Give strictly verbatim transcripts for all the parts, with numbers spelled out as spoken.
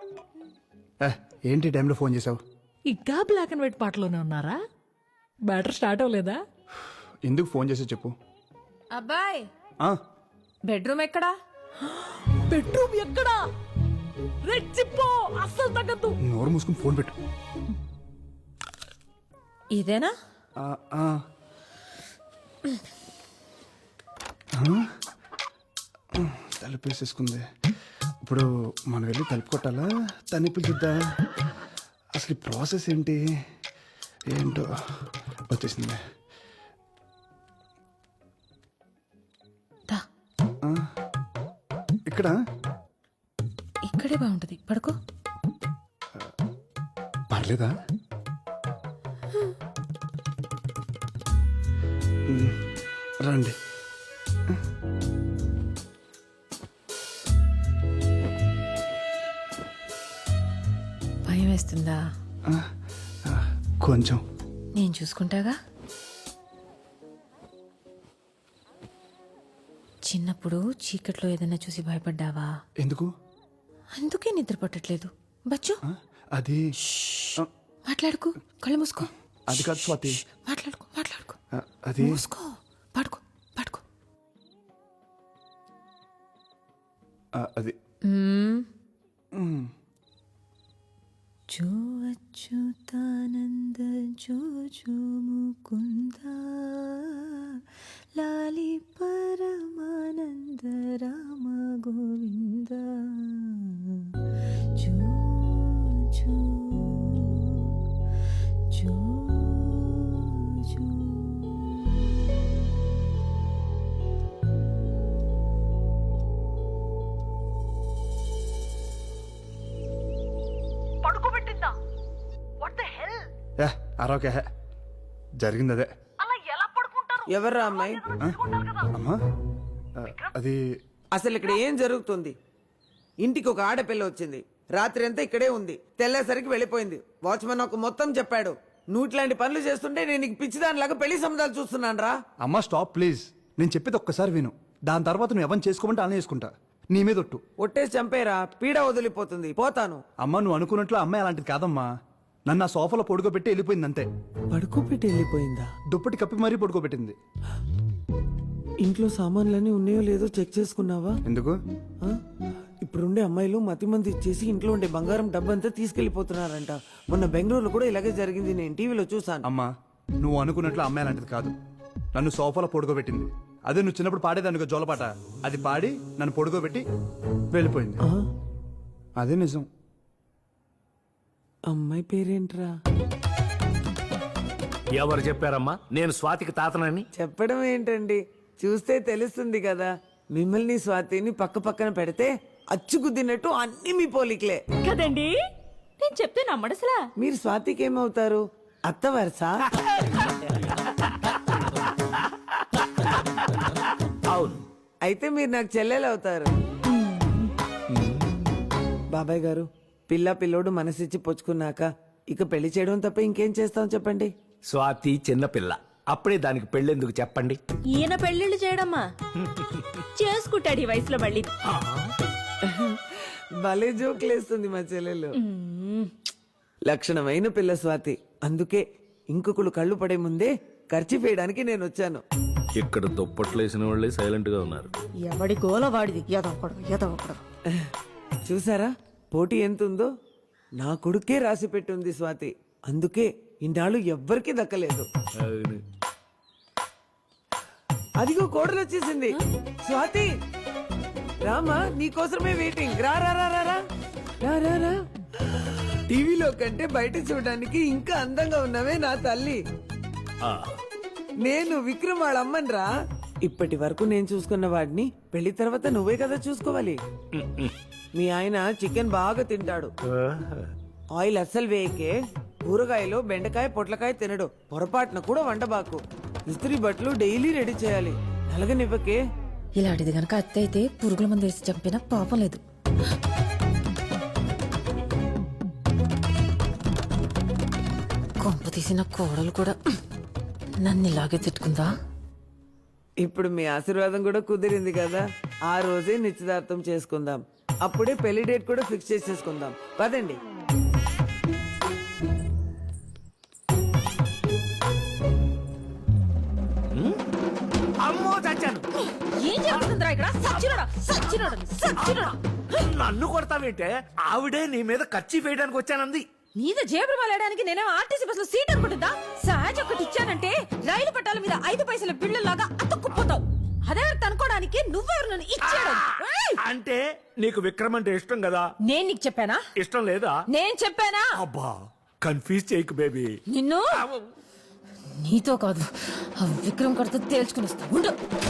ఏంటి టైంలో ఫోన్ చేసావు? ఇంకా బ్లాక్ అండ్ వైట్ పాటలోనే ఉన్నారా? బ్యాటర్ స్టార్ట్ అవ్వలేదా? ఎందుకు ఫోన్ చేసి చెప్పు. అబ్బాయ్ ఆ, బెడ్రూమ్ ఎక్కడా? బెడ్రూమ్ ఎక్కడా? రెచ్చిపో, అస్సలు తగ్గద్దు. నోరు మూసుకుని ఫోన్ పెట్టు. ఇదేనా? ఆ, ఆ. ఆ? తలుపు వేసేసుకుంది. ఇప్పుడు మనం వెళ్ళి తలుపు కొట్టాలా, తన్ని పిలుచుద్దా? అసలు ఈ ప్రాసెస్ ఏంటి ఏంటో. వచ్చేసింది. దా, ఆ, ఇక్కడ ఇక్కడే బాగుంటది, పడుకో. పర్లేదా? ఉమ్, రండి. భయం వేస్తుందా? ఆ, ఆ, కొంచెం. నేను చూసుకుంటాగా. చిన్నప్పుడు చీకట్లో ఏదైనా చూసి భయపడ్డావా? ఎందుకు? అందుకే నిద్ర పట్టట్లేదు. బచ్చు, ఆ, అది ఆ, మాట్లాడుకో, కళ్ళు మూసుకో. అది కాదు స్వాతి. మాట్లాడుకో మాట్లాడుకో ఆ, అది మూసుకో, పడుకో పడుకో. ఆ, అది మ్మ్. ఉమ్. जो अच्युतानंद जो जो मुकुंद लाली परमानंद राम गोविंद जो जो जो जो పడుకోబెట్టిందా? What the hell? ఏ అరవకే, జరిగింది అదే. అలా ఎలా పడుకుంటారు? ఎవర్రా అమ్మాయి? అమ్మా, ఆ, అది అసలు ఇక్కడ ఏం జరుగుతుంది? ఇంటికి ఒక ఆడపిల్ల వచ్చింది, రాత్రి అంతా ఇక్కడే ఉంది, తెల్లేసరికి వెళ్ళిపోయింది. వాచ్మెన్ ఒక మొత్తం చెప్పాడు. నువ్వు ఇట్లాంటి పనులు చేస్తుంటే నేను నీకు పిచ్చిదానిలాగా పెళ్లి సంబంధాలు చూస్తున్నాను రా. అమ్మా స్టాప్ ప్లీజ్. నేను చెప్పేది ఒక్కసారి విను. దాని తర్వాత నువ్వు ఎవరిని చేసుకోమంటే అలా చేసుకుంటా. నీ మీద ఒట్టు. ఒట్టేసి చంపేరా, పీడ వదిలిపోతుంది, పోతాను. అమ్మా నువ్వు అనుకున్నట్లు అమ్మాయి అలాంటిది కాదమ్మా. నన్ను ఆ సోఫాలో పడుకోబెట్టి వెళ్ళిపోయింది అంతే. పడుకోపెట్టి వెళ్ళిపోయిందా? దుప్పటి కప్పి మరీ పడుకోబెట్టింది. ఇంట్లో సామాన్లన్నీ ఉన్నాయో లేదో చెక్ చేసుకున్నావా? ఎందుకు? ఆ? ఇప్పుడుండే అమ్మాయిలు మతి మంది ఇచ్చేసి ఇంట్లో ఉండే బంగారం డబ్బంతా తీసుకెళ్లిపోతున్నారంట. మొన్న బెంగళూరులో కూడా ఇలాగే జరిగింది, నేను టీవీలో చూసాను. అమ్మా నువ్వు అనుకున్నట్లు అమ్మాయి అలాంటిది కాదు. నన్ను సోఫాలో పడుకోబెట్టింది. అదే నువ్వు చిన్నప్పుడు పాడేదానికి జోలపాట, అది పాడి నన్ను పడుకోబెట్టి వెళ్ళిపోయింది. ఆ? అదే నిజం. అమ్మాయి పేరేంట్రా? ఎవరు చెప్పారమ్మా నేను స్వాతికి తాతనని? చెప్పడం ఏంటండి, చూస్తే తెలుస్తుంది కదా. మిమ్మల్ని స్వాతిని పక్క పక్కన పెడితే అచ్చుకుద్దినట్టు అన్ని మీ పోలికలే కదండి, నేను చెప్తే నమ్మడసలా. మీరు స్వాతికి ఏమవుతారు? అత్త వరుస? అవును. అయితే మీరు నాకు చెల్లెలు అవుతారు. బాబాయ్ గారు, పిల్ల పిల్లోడు మనసిచ్చి పుచ్చుకున్నాక ఇక పెళ్లి చేయడం తప్ప ఇంకేం చేస్తాం చెప్పండి. స్వాతి చిన్నపిల్ల, అప్పుడే దానికి పెళ్ళెందుకు చెప్పండి? ఈయన పెళ్లిళ్ళు చేయడమ్మా చేసుకుంటాడు ఈ వయసులో మళ్ళీ. భలే జోకులేస్తుంది మా చెల్లెలు. లక్షణమైన పిల్ల స్వాతి. అందుకే ఇంకొకళ్ళు కళ్ళు పడే ముందే ఖర్చు వేయడానికి నేను వచ్చాను. ఇక్కడ దుప్పట్లు వేసిన వాళ్ళే సైలెంట్ గా ఉన్నారు. ఎవడి గోల వాడిది, ఎదవకూడదు ఎదవకూడదు. చూసారా పోటీ ఎంత ఉందో? నా కొడుకే రాసి పెట్టుంది స్వాతి. అందుకే ఇన్నాళ్ళు ఎవ్వరికీ దక్కలేదు. అవును. అదిగో కోడలు వచ్చేసింది. స్వాతి రామా, నీకోసమే వెయిటింగ్. రా రా రా రా రా రా రా రా. టీవీలో కంటే బయట చూడడానికి ఇంకా అందంగా ఉన్నావే నా తల్లి. ఆ, నేను విక్రమ్ వాళ్ళ అమ్మని రా. ఇప్పటి వరకు నేను చూసుకున్న వాడిని పెళ్లి తర్వాత నువ్వే కదా చూసుకోవాలి. మీ ఆయన చికెన్ బాగా తింటాడు, ఆయిల్ అస్సలు వేయకే. కూరగాయలు బెండకాయ పొట్లకాయ తినడు. పొరపాటున కూడా వండబాకు. ఇస్త్రీ బట్టలు డైలీ రెడీ చేయాలి. నలగనివ్వకే. ఇలాంటిది గనక అత్త అయితే పురుగుల మందు వేసి చంపినా పాపం లేదు. కొంప తీసిన కోడలు కూడా నన్ను ఇలాగే తిట్టుకుందా? ఇప్పుడు మీ ఆశీర్వాదం కూడా కుదిరింది కదా, ఆ రోజే నిశ్చితార్థం చేసుకుందాం. అప్పుడే పెళ్లి డేట్ కూడా ఫిక్స్ చేసేసుకుందాం పదండి. అమ్మో చచ్చాను. ఏం చేస్తుందిరా ఇక్కడ సచ్చినోడా సచ్చినోడా సచ్చినోడా నన్ను కొడతావేంటే? ఆవిడే నీ మీద కచ్చి వేయడానికి వచ్చానంది. మీద జేబులు వెళ్ళడానికి నేనేమో ఆర్టీసీ బస్ లో సీట్ అనుకుంటుందా? సహజ ఒకటి ఇచ్చానంటే రైలు పట్టాల మీద ఐదు పైసల బిళ్ళలాగా అతుక్కుపోతావు. అదే అనుకోవడానికి నువ్వెవరు నన్ను ఇచ్చాడు? ఏయ్! అంటే నీకు విక్రమ్ అంటే ఇష్టం కదా? నేను నీకు చెప్పానా? ఇష్టం లేదా? నేను చెప్పానా? అబ్బా కన్ఫ్యూజ్ చేయకు బేబీ. నిన్ను నీతో కాదు ఆ విక్రమ్ కడితే తేల్చుకుని వస్తా ఉండు.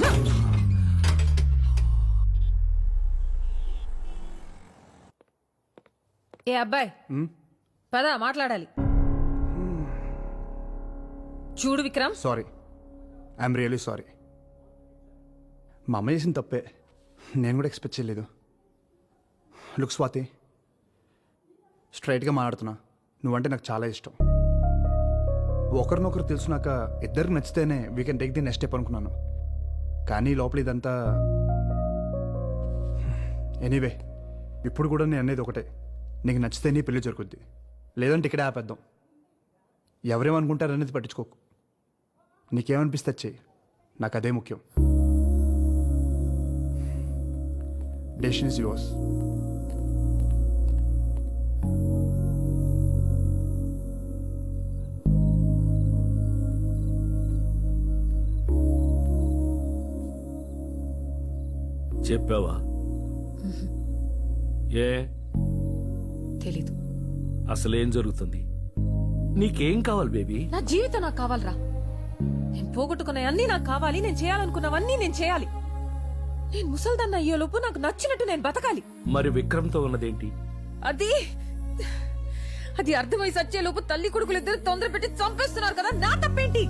ఏ అబ్బాయి పద మాట్లాడాలి. చూడు Vikram, sorry, I'm really sorry. మా అమ్మ చేసిన తప్పే, నేను కూడా ఎక్స్పెక్ట్ చేయలేదు. లుక్ స్వాతి, స్ట్రైట్గా మాట్లాడుతున్నా, నువ్వంటే నాకు చాలా ఇష్టం. ఒకరినొకరు తెలుసునాక ఇద్దరికి నచ్చితేనే we can take the next step అనుకున్నాను. కానీ లోపల ఇదంతా ఎనీవే. ఇప్పుడు కూడా నేను అనేది ఒకటే, నీకు నచ్చితే నీ పెళ్లి జరుగుద్ది, లేదంటే ఇక్కడే ఆపేద్దాం. ఎవరేమనుకుంటారు అనేది పట్టించుకోకు. నీకేమనిపిస్తే చెయ్యి, నాకు అదే ముఖ్యం. Decision is yours. చెప్పావా? ఏ తెలీదు. అసలేం జరుగుతుంది? నీకేం కావాలి బేబీ? నా జీవితం నాకు కావాలరా. నేను పోగొట్టుకున్నవన్నీ నాకు కావాలి. నేను చేయాలనుకున్నవన్నీ నేను చేయాలి. నేను ముసల్దాన్న అయ్యేలోపు నాకు నచ్చినట్టు నేను బతకాలి. మరి విక్రమ్తో ఉన్నదేంటి? అది అది అర్థమై సచ్చేలోపు తల్లి కొడుకులు ఇద్దరు తొందర పెట్టి చంపేస్తున్నారు కదా, నా తప్పేంటి?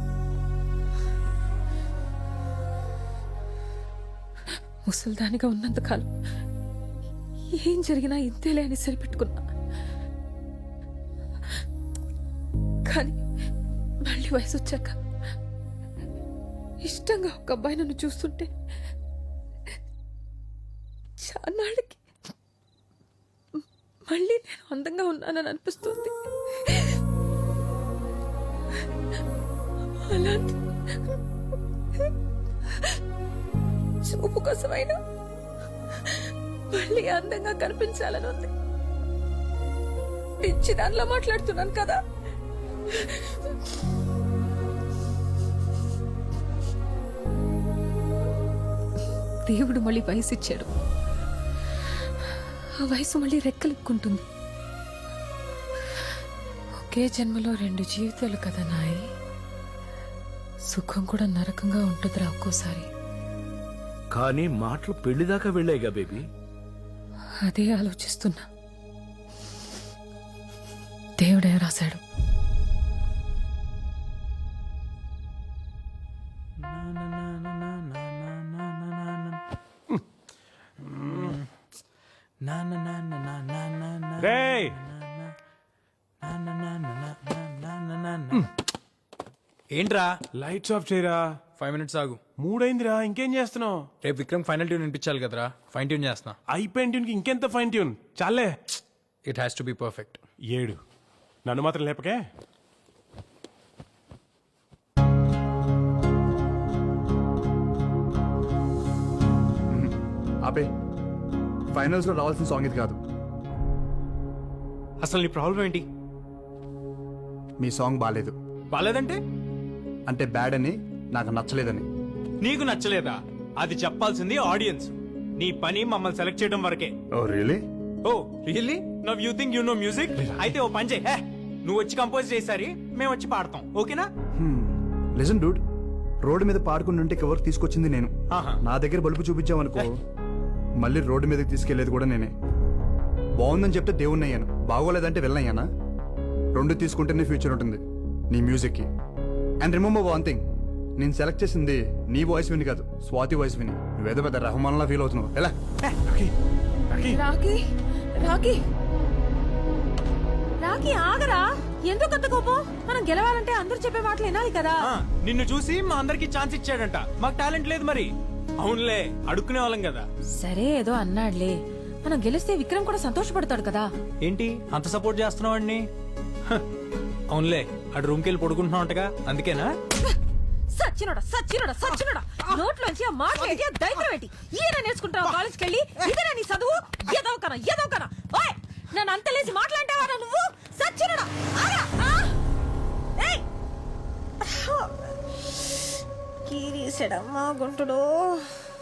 ముసల్దానిగా ఉన్నంత కాలం ఏం జరిగినా ఇంతేలే అని సరిపెట్టుకున్నా. కానీ మళ్ళీ వయసు వచ్చాక ఇష్టంగా ఒక అబ్బాయి నన్ను చూస్తుంటే చాన్నాళ్ళకి మళ్ళీ నేను అందంగా ఉన్నానని అనిపిస్తుంది. అలాంటి చూపు కోసమైనా మళ్ళీ అందంగా కనిపించాలని ఉంది. పిచ్చి దానిలో మాట్లాడుతున్నాను కదా. దేవుడు మళ్ళీ వయసు ఇచ్చాడు. ఆ వయసు మళ్ళీ రెక్కలెక్కుంటుంది. ఒకే జన్మలో రెండు జీవితాలు కదా నాయి. సుఖం కూడా నరకంగా ఉంటుందిరా ఒక్కోసారి. కానీ మాటలు పెళ్లిదాకా వెళ్ళాయిగా బేబీ. అదే ఆలోచిస్తున్నా. దేవుడే రాశాడు. రేయ్! ఏంట్రా లైట్స్ ఆఫ్ చేయరా. ఫైవ్ మినిట్స్ ఆగు. మూడైందిరా, ఇంకేం చేస్తున్నావు? రేపు విక్రమ్ ఫైనల్ ట్యూన్ వినిపించాలి కదరా, ఫైన్ ట్యూన్ చేస్తున్నా. అయిపోయిన ట్యూన్కి ఇంకెంత ఫైన్ ట్యూన్ చాలే. It has to be perfect. ఏడు నన్ను మాత్రం లేపకే. ఆపే. ఫైనల్స్లో రావాల్సిన సాంగ్ ఇది కాదు. అసలు నీ ప్రాబ్లం ఏంటి? మీ సాంగ్ బాగాలేదు. బాలేదంటే అంటే బ్యాడ్ అని, నాకు నచ్చలేదని. నీకు నచ్చలేదా? అది చెప్పాల్సింది ఆడియన్స్. నీ పని మమ్మల్ని సెలెక్ట్ చేయడం వరకే. Oh really? Oh really? Now you think you know music? అయితే ఓ పని చేయి, హే, నువ్వు వచ్చి కంపోజ్ చేసారి మేము వచ్చి పాడతాం, ఓకేనా? లిజన్ డూడ్, రోడ్డు మీద పాడుకుంటుంటే ఎవరికి తీసుకొచ్చింది నేను. ఆహా. నా దగ్గర బలుపు చూపించామనుకో, మళ్ళీ రోడ్డు మీదకి తీసుకెళ్లేది కూడా నేనే. బాగుందని చెప్తే దేవుణ్ణి అయ్యాను, బాగోలేదంటే వెళ్ళయ్యానా? రెండు తీసుకుంటేనే ఫ్యూచర్ ఉంటుంది నీ మ్యూజిక్కి. అండ్ రిమెంబర్ వన్ థింగ్, నేను సెలెక్ట్ చేసింది నీ వాయిస్ విని కాదు, స్వాతి వాయిస్ విని. నువ్వేదో పెద్ద రెహమాన్లా ఫీల్ అవుతున్నావు. ఎలా? Rocky, Rocky. Rocky Rocky Rocky ఆగరా. ఎందుకు అంత కోపం? మనం గెలవాలంటే అందరూ చెప్పే మాటలు వినాలి కదా. ఆ, నిన్ను చూసి మా అందరికి ఛాన్స్ ఇచ్చాడంట. మాకు టాలెంట్ లేదు మరి. అవునులే, అడుక్కునే వాళ్ళం కదా. సరే ఏదో అన్నాడులే, మనం గెలిస్తే విక్రమ్ కూడా సంతోషపడతాడు కదా. ఏంటి అంత సపోర్ట్ చేస్తున్నావు అండి? అవునులే, అటు రూమ్కి వెళ్ళి పడుకుంటున్నావుంటగా, అందుకేనా? సచ్చినోడా సచ్చినోడా సచ్చినోడా నోట్లోంచి ఆ మాటలు ఏంటి, ఆ దైత్రం ఏంటి? ఈయన నేర్చుకుంటావు కాలేజ్కి వెళ్ళి? ఇదేనా నీ చదువు? ఎదవకనా ఎదవకనా? ఓయ్, నన్ను అంతలేసి మాట్లాంటావా నువ్వు? సచ్చినోడా ఆగా! ఆ! ఏయ్! కీరీసాడమ్మా గుంటుడు.